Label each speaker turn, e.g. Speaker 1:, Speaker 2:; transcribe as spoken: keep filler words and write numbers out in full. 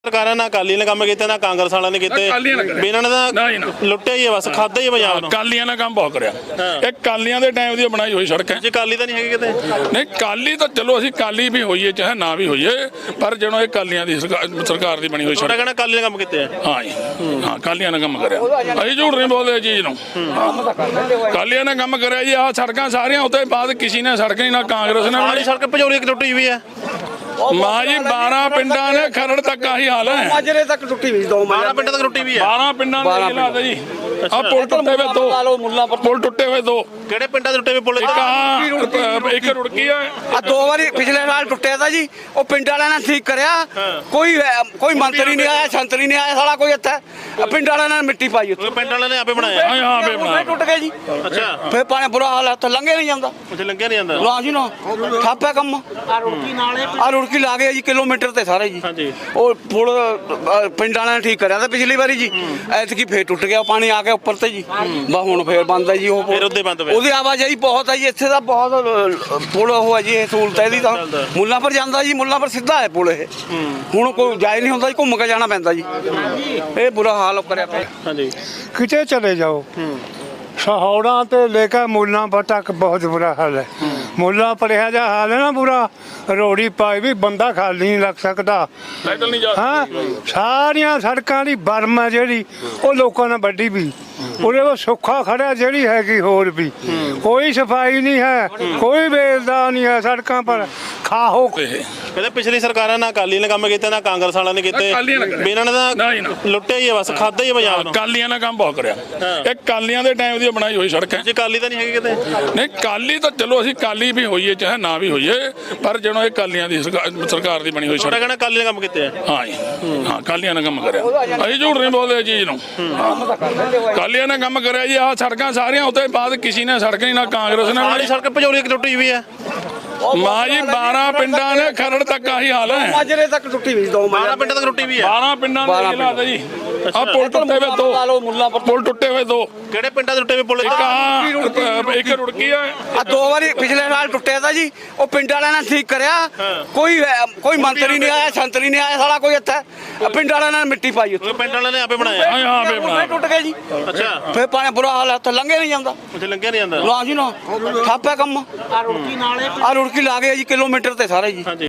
Speaker 1: ਸਰਕਾਰਾਂ ਨਾ ਅਕਾਲੀ ਨੇ ਕੰਮ ਕੀਤੇ ਨਾ ਕਾਂਗਰਸ ਵਾਲਿਆਂ ਨੇ ਕੀਤੇ ਵੀ ਇਹਨਾਂ ਨੇ ਤਾਂ ਲੁੱਟਿਆ ਹੀ ਹੈ ਬਸ ਖਾਦਾ ਹੀ ਪੰਜਾਬ ਨੂੰ।
Speaker 2: ਕਾਲੀਆਂ ਨੇ ਕੰਮ ਬਹੁਤ ਕਰਿਆ ਇਹ ਕਾਲੀਆਂ ਦੇ ਟਾਈਮ ਦੀ ਬਣਾਈ ਹੋਈ ਸੜਕ ਹੈ
Speaker 1: ਜੇ ਕਾਲੀ ਤਾਂ ਨਹੀਂ ਹੈਗੀ ਕਿਤੇ
Speaker 2: ਨਹੀਂ ਕਾਲੀ ਤਾਂ ਚਲੋ ਅਸੀਂ ਕਾਲੀ ਵੀ ਹੋਈਏ ਚਾਹੇ ਨਾ ਵੀ ਹੋਈਏ ਪਰ ਜਦੋਂ ਇਹ ਕਾਲੀਆਂ ਦੀ ਸਰਕਾਰ ਦੀ ਬਣੀ ਹੋਈ
Speaker 1: ਤੁਹਾਡਾ
Speaker 2: ਸੜਕ
Speaker 1: ਕਹਿਣਾ ਕਾਲੀ ਨੇ ਕੰਮ ਕੀਤੇ ਆ।
Speaker 2: ਹਾਂ ਜੀ ਹਾਂ ਕਾਲੀਆਂ ਨੇ ਕੰਮ ਕਰਿਆ ਅਸੀਂ ਝੂਠ ਨਹੀਂ ਬੋਲਦੇ ਚੀਜ਼ ਨੂੰ ਕਾਲੀਆਂ ਨੇ ਕੰਮ ਕਰਿਆ ਜੀ ਆਹ ਸੜਕਾਂ ਸਾਰੀਆਂ ਉੱਤੇ ਬਾਅਦ ਕਿਸੇ ਨੇ ਸੜਕ ਨਹੀਂ ਨਾ ਕਾਂਗਰਸ ਨੇ
Speaker 1: ਸਾਰੀ ਸੜਕ ਭਜੌਲੀ ਇੱਕ ਟੁੱਟੀ ਵੀ ਹੈ
Speaker 2: ਮਾਂ ਜੀ ਬਾਰਾਂ ਪਿੰਡਾਂ ਨੇ ਖਰੜ ਤੱਕ ਆਹੀ ਹਾਲ ਹੈ
Speaker 3: ਮਾਜਰੇ ਤੱਕ ਟੁੱਟੀ ਵੀ ਦੋ
Speaker 1: ਬਾਰਾਂ ਪਿੰਡ ਤੱਕ ਟੁੱਟੀ ਵੀ ਹੈ
Speaker 2: ਬਾਰਾਂ ਪਿੰਡਾਂ ਦੇ ਹਾਲਾਤ ਜੀ ਆ ਪੁਲ ਟੁੱਟੇ ਹੋਏ ਦੋ ਪੁਲ ਟੁੱਟੇ ਹੋਏ ਦੋ
Speaker 1: ਕਿਹੜੇ ਪਿੰਡਾਂ ਦੇ ਟੁੱਟੇ ਵੀ ਪੁੱਲ
Speaker 2: ਇੱਕ ਆ ਇੱਕ ਰੁੜਕੀ ਆ
Speaker 3: ਆ ਦੋ ਵਾਰੀ ਪਿਛਲੇ ਸਾਲ ਟੁੱਟਿਆ ਤਾਂ ਜੀ ਉਹ ਪਿੰਡ ਵਾਲਿਆਂ ਨੇ ਠੀਕ ਕਰਿਆ ਕੋਈ ਕੋਈ ਮੰਤਰੀ ਨਹੀਂ ਆਇਆ ਸੰਤਰੀ ਨਹੀਂ ਆਇਆ ਸਾਲਾ ਕੋਈ ਇੱਥੇ ਪਿੰਡ ਵਾਲਿਆਂ ਨੇ ਮਿੱਟੀ ਪਾਈ ਉੱਥੇ
Speaker 1: ਪਿੰਡ ਵਾਲਿਆਂ ਨੇ ਆਪੇ ਬਣਾਇਆ
Speaker 2: ਹਾਂ ਹਾਂ ਬੇ ਬਣਾ
Speaker 3: ਟੁੱਟ ਗਏ ਜੀ
Speaker 1: ਅੱਛਾ
Speaker 3: ਫੇਰ ਪਾਣੀ ਬੁਰਾ ਹਾਲ ਹੈ ਉੱਥੇ ਲੰਘੇ ਨਹੀਂ ਜਾਂਦਾ
Speaker 1: ਉੱਥੇ ਲੰਘਿਆ ਨਹੀਂ ਜਾਂਦਾ
Speaker 3: ਨਾ ਜੀ ਨਾ ਠਾਪਿਆ ਕੰਮ ਆ ਰੁੜਕੀ ਨਾਲੇ ਆ ਰੁੜਕੀ ਲਾ ਗਏ ਜੀ ਕਿਲੋਮੀਟਰ ਤੇ ਸਾਰੇ ਜੀ
Speaker 1: ਹਾਂਜੀ
Speaker 3: ਉਹ ਪੁਲ ਅ, ਪਿੰਡ ਵਾਲਿਆਂ ਨੇ ਠੀਕ ਕਰਿਆ ਤਾਂ ਪਿਛਲੀ ਵਾਰੀ ਜੀ ਐਤਕੀ ਫੇਰ ਟੁੱਟ ਗਿਆ ਪਾਣੀ ਆ ਗਿਆ ਉੱਪਰ ਤੇ ਜੀ ਬਾ ਹੁਣ ਫੇਰ ਬੰਦ ਹੈ ਜੀ ਉਹ ਪੁਲ।
Speaker 1: ਫਿਰ ਉਹਦੇ ਬੰਦ ਹੋਇਆ
Speaker 3: ਉਹਦੀ ਆਵਾਜਾਈ ਬਹੁਤ ਹੈ ਜੀ ਇੱਥੇ ਦਾ ਬਹੁਤ ਅ, ਪੁਲ ਉਹ ਹੈ ਜੀ ਇਹ ਸਹੂਲਤ ਹੈ ਇਹਦੀ ਤਾਂ ਮੁੱਲਾਂ ਪਰ ਜਾਂਦਾ ਜੀ ਮੁੱਲਾਂ ਪਰ ਸਿੱਧਾ ਹੈ ਪੁਲ ਇਹ ਹੁਣ ਕੋਈ ਜਾਇ ਨਹੀਂ ਹੁੰਦਾ ਜੀ ਘੁੰਮ ਕੇ ਜਾਣਾ ਪੈਂਦਾ ਜੀ ਇਹ ਬੁਰਾ ਹਾਲ ਕਰਿਆ ਪਿਆ
Speaker 1: ਹਾਂਜੀ
Speaker 4: किते चले जाओ सहाड़ा ते लेकर मुल्ला पर तक बहुत बुरा हाल है मुल्ला पर यह जा हाल है ना बुरा रोड़ी पाई भी बंदा खाली नहीं लग सकता
Speaker 2: ਪੈਦਲ ਨਹੀਂ ਜਾ
Speaker 4: हाँ सारिया सड़कों की बर्म है जी वो लोगों ने वड्डी भी ਉਹਦੇ ਉਹ ਸੁੱਖਾ ਖੜਾ ਜਿਹੜੀ ਹੈਗੀ ਹੋਰ ਵੀ ਕੋਈ ਸਫਾਈ ਨਹੀਂ ਹੈ ਕੋਈ ਵੇਲਦਾ ਨਹੀਂ ਹੈ ਸੜਕਾਂ ਪਰ ਖਾਹੋ
Speaker 1: ਕਹਿੰਦੇ ਪਿਛਲੀ ਸਰਕਾਰਾਂ ਨਾ ਅਕਾਲੀ ਨੇ ਕੰਮ ਕੀਤੇ ਨਾ ਕਾਂਗਰਸ ਵਾਲਿਆਂ ਨੇ ਕੀਤੇ ਵੀ ਇਹਨਾਂ ਨੇ ਤਾਂ ਲੁੱਟਿਆ ਹੀ ਹੈ ਬਸ ਖਾਦਾ ਹੀ ਹੈ ਪੰਜਾਬ ਨੂੰ।
Speaker 2: ਕਾਲੀਆਂ ਨੇ ਕੰਮ ਬਹੁਤ ਕਰਿਆ ਇਹ ਕਾਲੀਆਂ ਦੇ ਟਾਈਮ ਦੀ ਬਣਾਈ ਹੋਈ ਸੜਕ ਹੈ
Speaker 1: ਜੇ ਕਾਲੀ ਤਾਂ ਨਹੀਂ ਹੈਗੀ ਕਿਤੇ
Speaker 2: ਨਹੀਂ ਕਾਲੀ ਤਾਂ ਚਲੋ ਅਸੀਂ ਕਾਲੀ ਵੀ ਹੋਈਏ ਚਾਹੇ ਨਾ ਵੀ ਹੋਈਏ ਪਰ ਜਦੋਂ ਇਹ ਕਾਲੀਆਂ ਦੀ ਸਰਕਾਰ ਦੀ ਬਣੀ ਹੋਈ
Speaker 1: ਤੁਹਾਡਾ
Speaker 2: ਸੜਕ
Speaker 1: ਕਹਿਣਾ ਕਾਲੀ ਨੇ ਕੰਮ ਕੀਤੇ ਆ।
Speaker 2: ਹਾਂ ਜੀ ਹਾਂ ਕਾਲੀਆਂ ਨੇ ਕੰਮ ਕਰਿਆ ਅਸੀਂ ਝੂਠ ਨਹੀਂ ਬੋਲਦੇ ਚੀਜ਼ ਨੂੰ ਕਾਲੀਆਂ ਨੇ ਕੰਮ ਕਰਿਆ ਜੀ ਆਹ ਸੜਕਾਂ ਸਾਰੀਆਂ ਉੱਤੇ ਬਾਅਦ ਕਿਸੇ ਨੇ ਸੜਕ ਨਹੀਂ ਨਾ ਕਾਂਗਰਸ ਨੇ
Speaker 1: ਸਾਰੀ ਸੜਕ ਭਜੌਲੀ ਇੱਕ ਟੁੱਟੀ ਵੀ ਹੈ
Speaker 2: ਮਾਂ ਜੀ ਬਾਰਾਂ ਪਿੰਡਾਂ ਨੇ ਖਰੜ ਤੱਕ ਆਹੀ ਹਾਲ ਹੈ
Speaker 3: ਮਾਜਰੇ ਤੱਕ ਟੁੱਟੀ ਵੀ ਦੋ
Speaker 1: ਬਾਰਾਂ ਪਿੰਡ ਤੱਕ ਟੁੱਟੀ ਵੀ ਹੈ
Speaker 2: ਬਾਰਾਂ ਪਿੰਡਾਂ ਦੇ ਹਾਲਾਤ ਜੀ ਆ ਪੁਲ ਟੁੱਟੇ ਹੋਏ ਦੋ ਪੁਲ ਟੁੱਟੇ ਹੋਏ ਦੋ
Speaker 1: ਕਿਹੜੇ ਪਿੰਡਾਂ ਦੇ ਟੁੱਟੇ ਵੀ ਪੁੱਲ
Speaker 2: ਇੱਕ ਆ ਇੱਕ ਰੁੜਕੀ ਆ
Speaker 3: ਆ ਦੋ ਵਾਰੀ ਪਿਛਲੇ ਸਾਲ ਟੁੱਟਿਆ ਤਾਂ ਜੀ ਉਹ ਪਿੰਡ ਵਾਲਿਆਂ ਨੇ ਠੀਕ ਕਰਿਆ ਕੋਈ ਅ, ਕੋਈ ਮੰਤਰੀ ਨਹੀਂ ਆਇਆ ਸੰਤਰੀ ਨਹੀਂ ਆਇਆ ਸਾਲਾ ਕੋਈ ਇੱਥੇ ਪਿੰਡ ਵਾਲਿਆਂ ਨੇ ਮਿੱਟੀ ਪਾਈ ਉੱਥੇ
Speaker 1: ਪਿੰਡ ਵਾਲਿਆਂ ਨੇ ਆਪੇ ਬਣਾਇਆ
Speaker 2: ਹਾਂ ਹਾਂ ਬੇ ਬਣਾ
Speaker 3: ਫੇਰ ਟੁੱਟ ਗਏ ਜੀ
Speaker 1: ਅੱਛਾ
Speaker 3: ਫੇਰ ਪਾਣੀ ਬੁਰਾ ਹਾਲ ਹੈ ਉੱਥੇ ਲੰਘੇ ਨਹੀਂ ਜਾਂਦਾ
Speaker 1: ਉੱਥੇ ਲੰਘਿਆ ਨਹੀਂ ਜਾਂਦਾ
Speaker 3: ਨਾ ਜੀ ਨਾ ਠਾਪਿਆ ਕੰਮ ਆ ਰੁੜਕੀ ਨਾਲੇ ਆ ਰੁੜਕੀ ਲਾ ਗਏ ਜੀ ਕਿਲੋਮੀਟਰ ਤੇ ਸਾਰੇ ਜੀ
Speaker 1: ਹਾਂਜੀ